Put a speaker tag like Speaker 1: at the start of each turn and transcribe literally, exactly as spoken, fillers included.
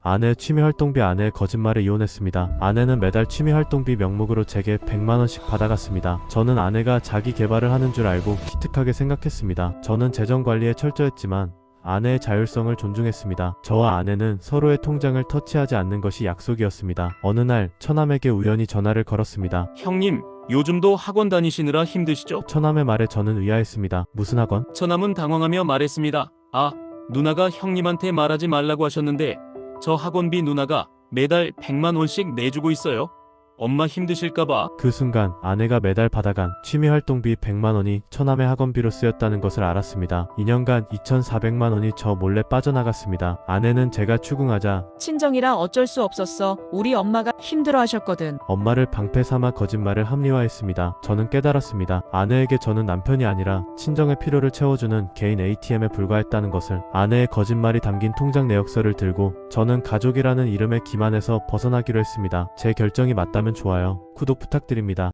Speaker 1: 아내의 취미활동비 아내의 거짓말에 이혼했습니다. 아내는 매달 취미활동비 명목으로 제게 백만 원씩 받아갔습니다. 저는 아내가 자기 개발을 하는 줄 알고 기특하게 생각했습니다. 저는 재정관리에 철저했지만 아내의 자율성을 존중했습니다. 저와 아내는 서로의 통장을 터치하지 않는 것이 약속이었습니다. 어느 날 처남에게 우연히 전화를 걸었습니다.
Speaker 2: 형님, 요즘도 학원 다니시느라 힘드시죠?
Speaker 1: 처남의 말에 저는 의아했습니다. 무슨 학원?
Speaker 2: 처남은 당황하며 말했습니다. 아, 누나가 형님한테 말하지 말라고 하셨는데 저 학원비 누나가 매달 백만 원씩 내주고 있어요. 엄마 힘드실까봐.
Speaker 1: 그 순간 아내가 매달 받아간 취미활동비 백만 원이 처남의 학원비로 쓰였다는 것을 알았습니다. 이 년간 이천사백만 원이 저 몰래 빠져나갔습니다. 아내는 제가 추궁하자
Speaker 3: 친정이라 어쩔 수 없었어. 우리 엄마가 힘들어 하셨거든.
Speaker 1: 엄마를 방패 삼아 거짓말을 합리화했습니다. 저는 깨달았습니다. 아내에게 저는 남편이 아니라 친정의 필요를 채워주는 개인 에이티엠에 불과했다는 것을. 아내의 거짓말이 담긴 통장 내역서를 들고 저는 가족이라는 이름의 기만에서 벗어나기로 했습니다. 제 결정이 맞다면 좋아요, 구독 부탁드립니다.